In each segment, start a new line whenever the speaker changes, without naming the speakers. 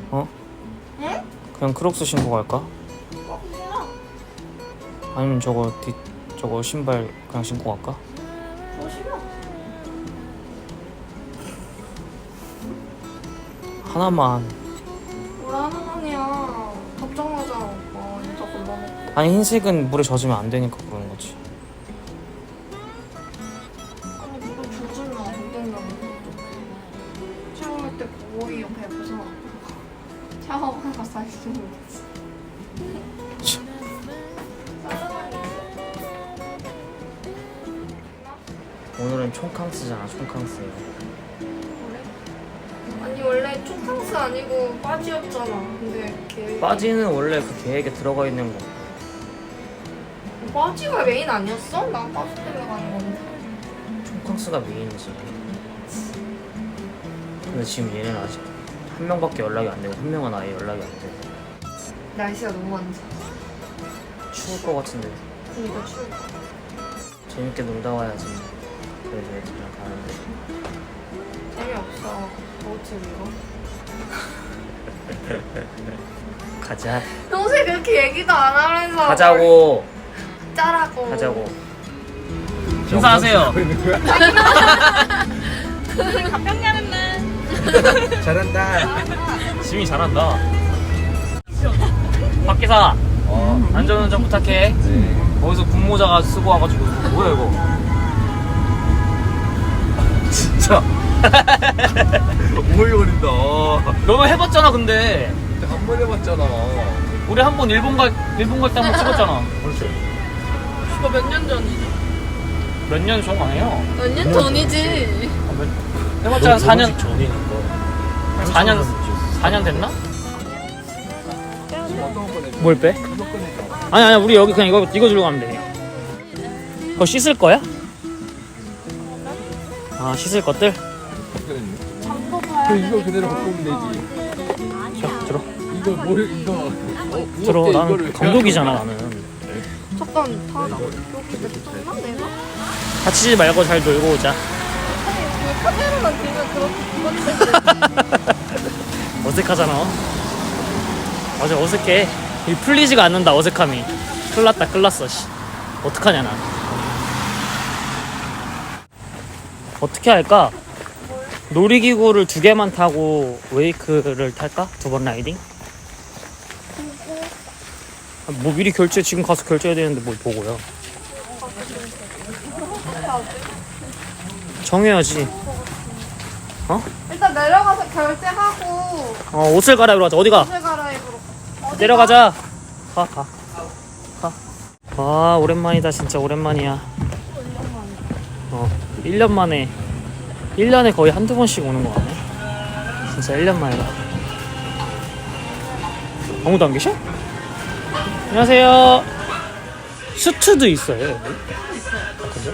어?
응?
그냥 크록스 신고 갈까?
싫어.
아니면 저거 신발 그냥 신고 갈까?
저 싫어.
하나만.
뭘 하나만이야. 걱정하잖아 오빠. 진짜 골라먹고.
아니 흰색은 물에 젖으면 안 되니까 그러는 거지.
아니 물을 젖으면 안 된다고. 샤워할 때 거의 옆에 옆에서 샤워하다가 사이즈는 되지.
오늘은 총캉스잖아. 총캉스예요.
아니 원래 초캉스 아니고 빠지였잖아. 근데 걔
빠지는 원래 그 계획에 들어가 있는 거.
빠지가 메인 아니었어? 난 빠지 때문에 가는 건데.
총캉스가 메인이지. 근데 지금 얘는 아직 한 명밖에 연락이 안 되고 한 명은 아예 연락이 안 돼.
날씨가 너무 안 좋아.
추울 것 같은데
그니까 추워.
재밌게 놀다 와야지. 그래서 애들이랑 가는데.
재미없어. 어찌 이거?
가자.
평소에 그렇게 얘기도 안 하면서
가자고.
짜라고.
가자고. 인사하세요.
잘한다.
지민이 잘한다. 박기사. 안전운전 부탁해.
네.
거기서 군모자가 쓰고 와가지고 뭐야 이거?
진짜. 오글거린다.
너는 해봤잖아 근데.
한 번 해봤잖아.
우리 한 번 일본 갈 때 한 번 찍었잖아.
그렇지.
이거 몇 년 전이지?
몇 년 전 아니에요?
몇 년 전이지.
해봤자 한 4년.
전이니까.
4년 됐나? 뭘 빼? 아니 우리 여기 그냥 이거 들고 가면 돼. 그거 씻을 거야? 아 씻을 것들?
이거 그대로 갖고 오면 되지.
자 들어.
이거 뭘 이거
들어. 나는 감독이잖아 나는.
잠깐 다 여기 냅뒀나 내가?
다치지 말고 잘 놀고 오자.
그 카메라만 들면 그렇게
어색하잖아. 맞아 어색해. 이 풀리지가 않는다 어색함이. 큰일 났어 씨. 어떡하냐 나. 어떻게 할까? 놀이기구를 2개만 타고 웨이크를 탈까? 2번 라이딩? 뭐 미리 지금 가서 결제해야 되는데 뭘 보고요. 정해야지. 어?
일단 내려가서 결제하고
옷을 갈아입으러 가자. 어디가?
옷을 갈아입으러
내려가자. 가. 와 오랜만이다 진짜 오랜만이야. 1년 만에 1년에 거의 한두 번씩 오는 거 같네. 진짜 1년 만이다. 아무도 안 계셔? 안녕하세요. 수트도 있어요 여기? 그죠?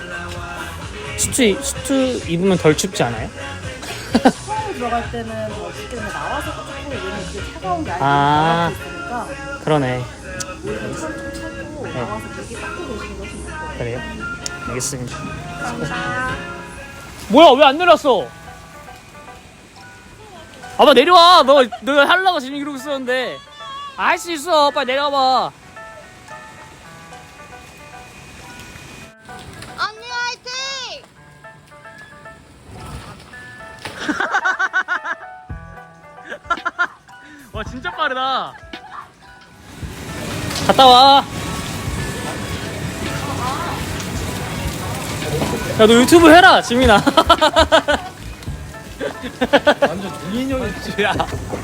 수트 입으면 덜 춥지 않아요?
처음 들어갈 때는 어떻게 보면 나와서 조금 얘는 이게 차가운 게
아.
아니고 있으니까
그러네.
오히려 좀 차고
네.
나와서 되게 닦고 계시는 것이 좋고.
그래요? 알겠습니다. 뭐야 왜 안 내렸어? 아빠 내려와. 너 하려고 지금 이러고 있었는데. 할 수 있어. 빨리 내려와봐.
언니 화이팅!
와 진짜 빠르다. 갔다 와. 야 너 유튜브 해라 지민아.
완전 동인형이지. 야.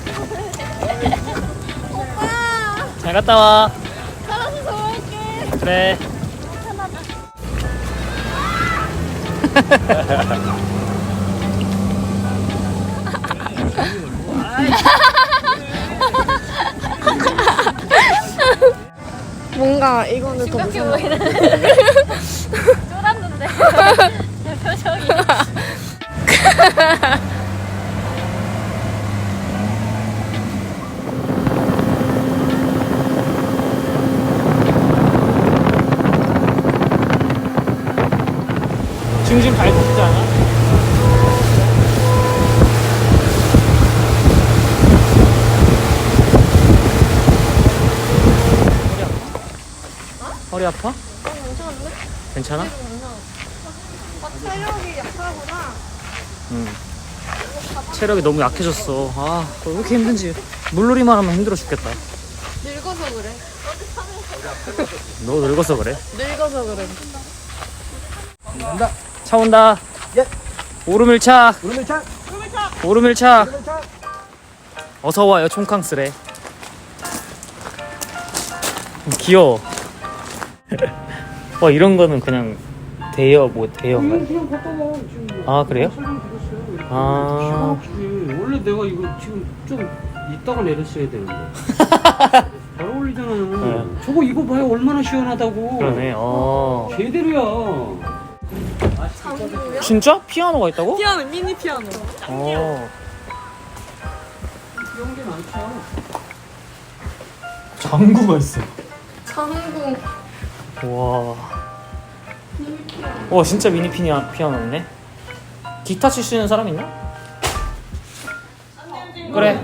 잘 갔다 와.
살아서 좋아할게.
그래.
뭔가 이거는 더 무서워.
쫄았는데 내 표정이.
중심 잘 잡지 않아? 허리 아파?
괜찮은데?
괜찮아?
체력이 약하구나.
응. 체력이 너무 약해졌어. 아, 왜 이렇게 힘든지. 물놀이만 하면 힘들어 죽겠다.
늙어서 그래.
너 늙어서 그래?
늙어서 그래.
간다.
차 온다.
예.
오르밀차.
오르밀차.
오르밀차. 어서 와요, 총캉스레. 귀여워. 와, 이런 거는 그냥 대여인가요?
그냥 갖다 놔 지금.
아, 그래요?
설명드렸어요. 기가
아,
막히지. 원래 내가 이거 지금 좀 이따가 내렸어야 되는데. 잘 어울리잖아요. 저거 이거 봐요 얼마나 시원하다고.
그러네. 어.
제대로야.
진짜? 피아노가 있다고?
피아노, 미니 피아노.
어.
이런 게 많죠.
장구가 있어.
장구.
와. 와, 진짜 미니 피아노네. 기타 칠 수 있는 사람 있나? 그래.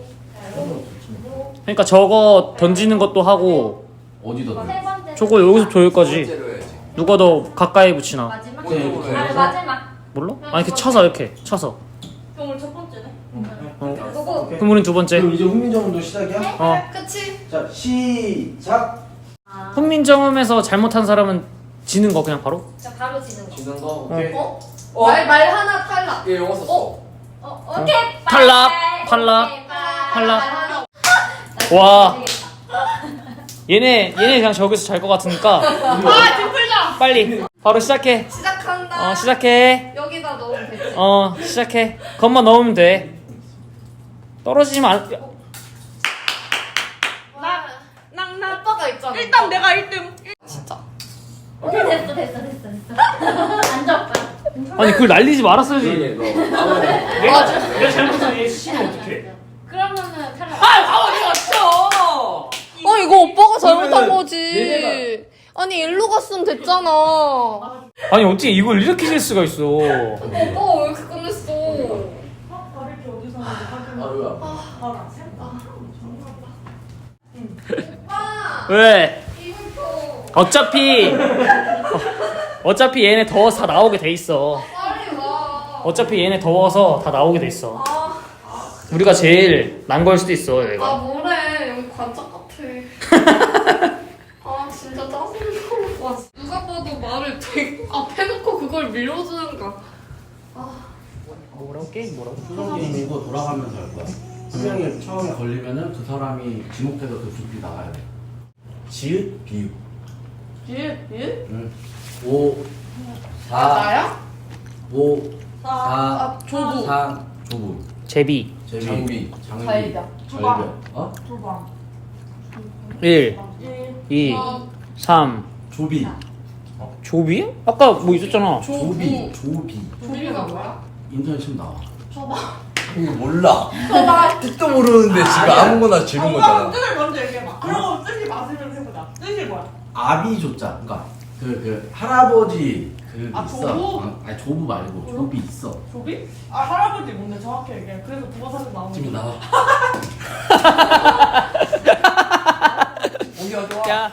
그러니까 저거 던지는 것도 하고
어디다?
저거 여기서 조일 거지.
번째로 해야지.
누가 더 가까이 붙이나?
마지막?
오른쪽으로
아,
해야지.
마지막.
몰라? 아니 이렇게 쳐서 이렇게 쳐서.
그럼 오늘 첫 번째네.
어.
그거
그럼 우린 두 번째.
그럼 이제 훈민정음도 시작이야?
어.
그치?
자 시작.
훈민정음에서 잘못한 사람은 지는 거 그냥 바로?
진짜 바로 지는 거.
지는 거 오케이.
어?
어?
말 하나 탈락.
얘 영어 썼어.
오케이.
탈락,
빠이.
탈락,
오케이,
탈락.
빠이.
와.
되겠다.
얘네 그냥 저기서 잘 것 같으니까
아, 뒷풀자.
빨리 바로 시작해.
시작한다.
시작해.
여기다 넣으면 되지.
시작해. 겉만 넣으면 돼. 떨어지면 안.
낭낭. 오빠가 있잖아.
일단 내가 1등.
진짜.
됐어. 앉아 오빠.
아니 그걸 날리지 말았어야지.
그러게 너. 아무나.
내가 잘못해서 얘 치면 어떡해?
그러면은 탈락.
이거 오빠가 잘못한
그러면은
거지. 아니 일로 갔으면 됐잖아.
아니 어떻게 이걸 이렇게 질 수가 있어?
오빠 왜 이렇게 끝냈어?
아루야.
오빠
왜?
이불 펴.
어차피 얘네 더워서 다 나오게 돼 있어.
빨리 와.
어차피 얘네 더워서 다 나오게 돼 있어.
아,
우리가 제일 난 걸 수도 있어
아
얘가.
뭐래 여기 관짝 같아. 아 진짜 짜증나. 와 누가 봐도 말을 되게 앞에 놓고 그걸 밀어주는가.
뭐라고 게임 뭐라고?
수정이 밀고 돌아가면서 할 거야. 수정이 처음에 걸리면은 그 사람이 지목해서 그 두피 나가야 돼. 지읒 비읒.
예?
응. 5 4
나야?
5 4
아 조부.
3 조부.
제비.
제비.
장비.
장비.
잘려.
절벽. 어?
1 2 3
조비.
조비? 아까 뭐 있었잖아.
조비. 조비.
조비가 뭐야?
인터넷 치면 나와.
이거 몰라. 뜻도 모르는데 지금 아무거나 지른 거잖아.
뜻을 먼저 얘기해봐. 그러고 뜻이 맞으면 해보자. 뜻이 뭐야?
아비 조자. 그러니까 그 할아버지 그
아,
있어.
조부?
아니 조부 말고 조비 있어.
조비? 아 할아버지 뭔데 정확히 얘기해. 그래서 국어사전 나오는
지금
거.
나와.
오기야 좋아.
야.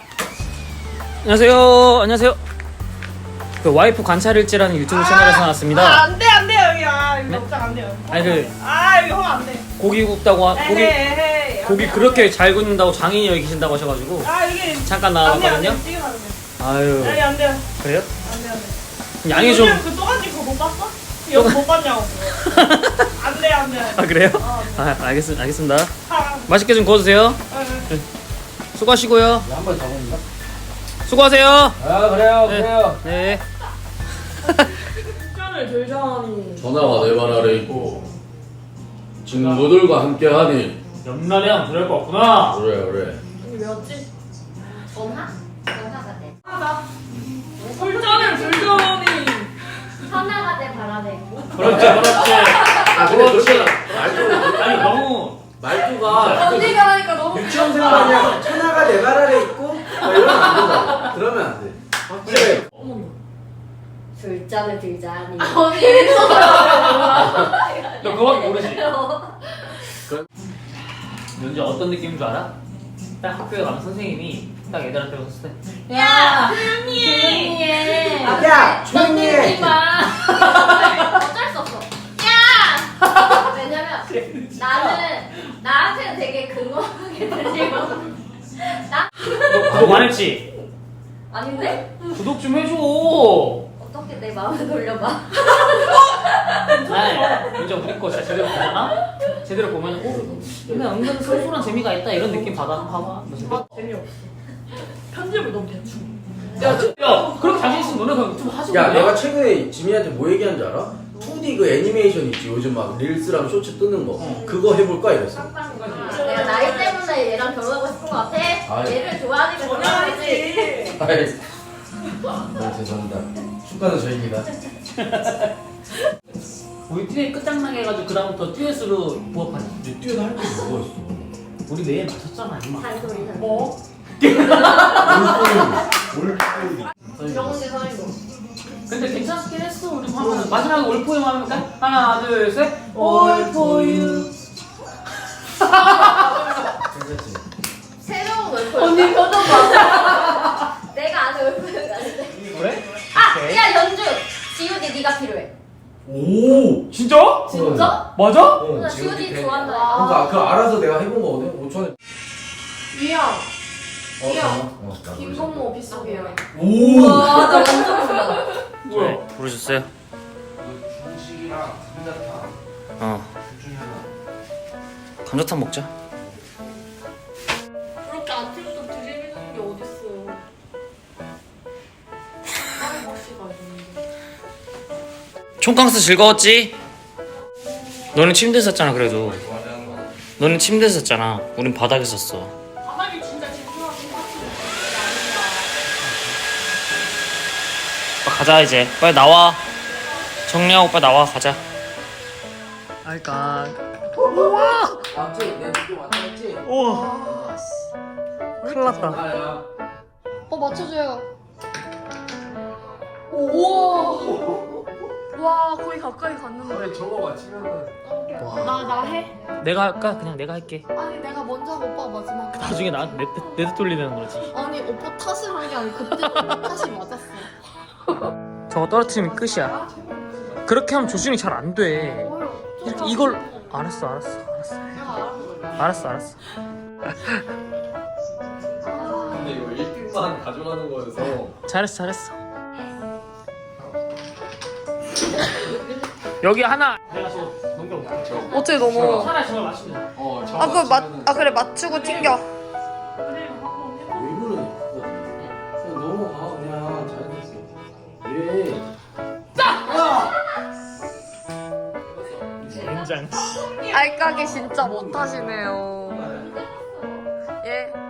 안녕하세요. 그 와이프 관찰일지라는 유튜브 채널에서 나왔습니다.
안돼 여기 이거
네?
걱정 안 돼요.
아니, 그-
이거 하면 안 돼.
고기 굽다고 고기
에헤이.
고기 그렇게 잘 굽는다고 장인이 여기 계신다고 하셔가지고
이게
잠깐
안 돼.
나와봤거든요.
찍으면 안 돼.
아유
아니 안 돼요.
그래요?
안 돼.
양이 좀.
그 또간지 그거 못 봤어? 이거 못 봤냐고. 안 돼.
아 그래요? 아 알겠습니다. 맛있게 좀 구워주세요. 수고하시고요.
한번 더 먹는다.
수고하세요.
아 그래요
네.
그래요.
네.
을 들자니.
전화가 내 발 아래 있고 친구들과 함께하니.
옆날이랑 그럴 거 없구나.
그래.
왜였지? 전화가 돼.
술잔을 들자니.
전화가 돼 바람에.
그렇지.
아 근데 그렇게 말투가
아니 너무
말투가
언니가 하니까 너무
유치원생활 아니야. 천하가 내 발 아래 있고 이러면 안 된다. 그러면 안 돼.
그래.
술잔을 들자니.
언니 이랬어.
너 그거밖에 모르지. 너 이제 어떤 느낌인 줄 알아? 딱 학교에 가면 선생님이 딱 애들한테 왔을 때
야, 조용히 해.
야, 조용히 해.
어쩔 수 없어. 야! 왜냐면 나는 나한테는 되게 근거하게 들리고
구독 안 했지?
아닌데?
구독 좀 해줘.
어떻게 내 마음을 돌려봐?
아니 이제 우리 거 진짜 제대로 보잖아? 제대로 보면 근데 은근 쏠쏠한 재미가 있다 이런 느낌 봐봐.
재미없어. 편집을 너무 대충.
야 그렇게 자신 있으면 너네 그냥 유튜브 하지
야,
그냥.
내가 최근에 지민이한테 뭐 얘기한 줄 알아? 2D 그 애니메이션 있지. 요즘 막 릴스랑 쇼츠 뜨는 거. 그거 해볼까 이랬어.
내가 나이 때문에 얘랑 결혼하고 싶은 거 같아?
아이.
얘를 좋아하니까 결혼하지.
아이, 죄송합니다. 축가는 저희입니다.
우리 듀엣 끝장나게 해가지고 그다음부터 듀엣으로 부업하자.
이제 뛰어도 할 게 뭐가 있어?
우리 내일 맞췄잖아 임마.
잔소리.
뭐? 명훈이 사이고.
근데 괜찮긴 했어. 우리 하면 마지막에 올포유 하면 까 하나 둘 셋. 올포유.
괜찮지?
새로운 월포. 언니 표정 봐. 내가 아는 월포가 아닌데.
그래?
아! 야 연주! G.O.D 네가 필요해.
오!
진짜?
진짜?
맞아?
나 G.O.D 좋아한다.
그러니까 그거 알아서 내가 해본 거거든. 5천에.
위야.
김
김건모 빗속이야.
오!
와, 나 완전 좋아.
뭐야? 부르셨어요?
중식이랑 감자탕
어.
둘 중에 하나.
감자탕 먹자.
그렇게 아침부터 드리는 게 어딨어. 다른 맛이가 있는데.
총캉스 즐거웠지? 너는 침대에 잤잖아 그래도. 너는 침대에 잤잖아. 우린 바닥에 잤어.
바닥이 진짜 집중하긴 하지.
가자 이제. 빨리 나와. 정리하고 빨리 나와 가자. 알까.
갑자기 내 느낌 왔다 했지?
우와. 큰일 났다.
아야.
맞춰줘요. 오. 와, 거의 가까이 갔는데.
아니 저거 맞히면은
나 해?
내가 할까? 그냥 내가 할게.
아니, 내가 먼저 하고 오빠가 마지막에.
나중에 나한테 내드 돌리는 거지.
아니, 오빠 탓을 한 게 아니고 그때 탓이 맞았어.
저거 떨어뜨리면 끝이야. 그렇게 하면 조준이 잘 안 돼. 이렇게 이걸 알았어.
근데 이거 1등만 가져가는 거여서
잘했어. 여기 하나. 내가 저 넘겨볼게.
어째 너무.
차라리 저걸 맞추면
아, 그래, 맞추고 튕겨.
왜 그러니? 그냥 넘어가 그냥 잘했어. 왜?
된장.
알까기 진짜 못하시네요. 예.